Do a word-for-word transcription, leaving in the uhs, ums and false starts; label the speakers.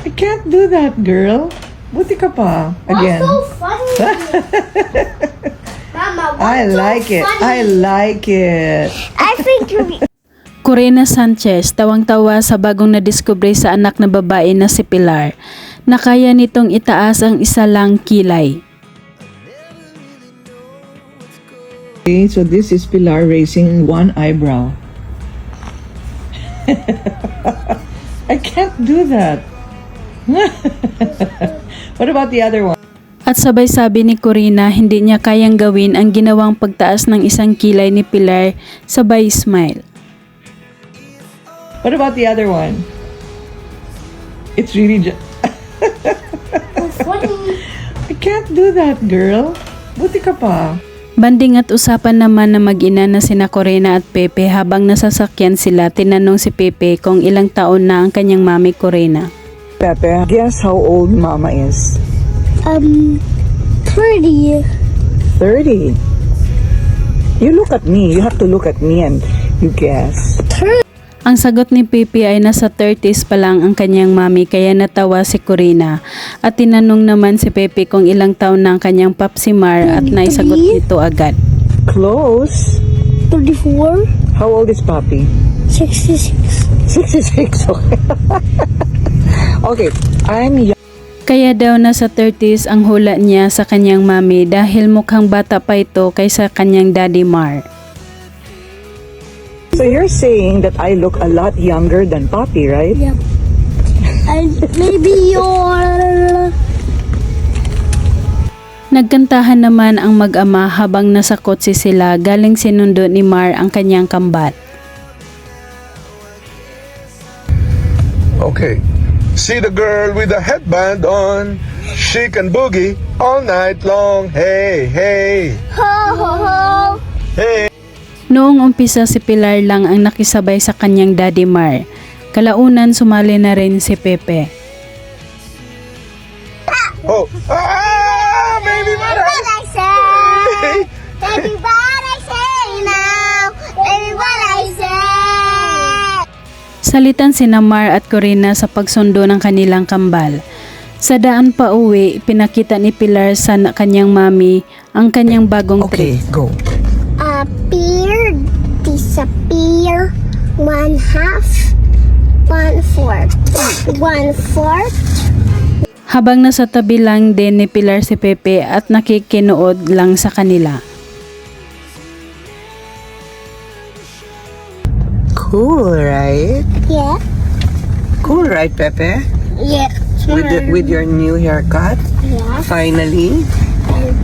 Speaker 1: I can't do that, girl. Buti ka pa. Again.
Speaker 2: What's so funny? Mama, what's
Speaker 1: I
Speaker 2: so
Speaker 1: like it.
Speaker 2: funny?
Speaker 1: I like it.
Speaker 2: I think you're...
Speaker 3: Corina Sanchez tawang-tawa sa bagong nadiskubre sa anak na babae na si Pilar na kaya nitong itaas ang isa lang kilay.
Speaker 1: Okay, so this is Pilar raising one eyebrow. I can't do that. What about the other one?
Speaker 3: At sabay sabi ni Corina hindi niya kayang gawin ang ginawang pagtaas ng isang kilay ni Pilar sabay smile.
Speaker 1: What about the other one? It's really just...
Speaker 2: funny.
Speaker 1: I can't do that, girl. Buti ka pa.
Speaker 3: Banding at usapan naman na mag-ina na sina Corina at Pepe habang nasasakyan sila. Tinanong si Pepe kung ilang taon na ang kanyang mami Corina.
Speaker 1: Pepe, guess how old Mama is?
Speaker 2: Um, pretty.
Speaker 1: thirty. You look at me. You have to look at me and you guess.
Speaker 3: Ang sagot ni Pepe ay nasa thirties pa lang ang kanyang mami kaya natawa si Corina. At tinanong naman si Pepe kung ilang taon na ang kanyang Papsimar at naisagot nito agad.
Speaker 1: Close.
Speaker 2: thirty-four.
Speaker 1: How old is Papi?
Speaker 2: sixty-six.
Speaker 1: sixty-six. Okay. Okay, I'm young.
Speaker 3: Kaya daw nasa thirties ang hula niya sa kanyang mami dahil mukhang bata pa ito kaysa kanyang Daddy Mar.
Speaker 1: So you're saying that I look a lot younger than Papi, right?
Speaker 2: Yep. And maybe you're...
Speaker 3: Nagkantahan naman ang mag-ama habang nasa kotse sila galing sinundo ni Mar ang kanyang kambat.
Speaker 4: Okay. See the girl with the headband on. She can boogie all night long. Hey, hey,
Speaker 2: Ho, ho, ho.
Speaker 4: hey.
Speaker 3: Noong umpisa si Pilar lang ang nakisabay sa kanyang Daddy Mar. Kalaunan sumali na rin si Pepe.
Speaker 4: Oh, ah, baby, what
Speaker 2: What I say? Baby, what I say now? Baby, what I say?
Speaker 3: Salitan sina Mar at Corina sa pagsundo ng kanilang kambal. Sa daan pa uwi, pinakita ni Pilar sa kanyang mami ang kanyang bagong
Speaker 1: Okay,
Speaker 3: trick.
Speaker 1: go.
Speaker 2: Appear, disappear, one half, one fourth, one fourth.
Speaker 3: Habang nasa tabi lang din ni Pilar si Pepe at nakikinood lang sa kanila.
Speaker 1: Cool, right?
Speaker 2: Yeah,
Speaker 1: Cool, right, Pepe?
Speaker 2: yeah,
Speaker 1: With the, with your new haircut,
Speaker 2: yeah.
Speaker 1: finally.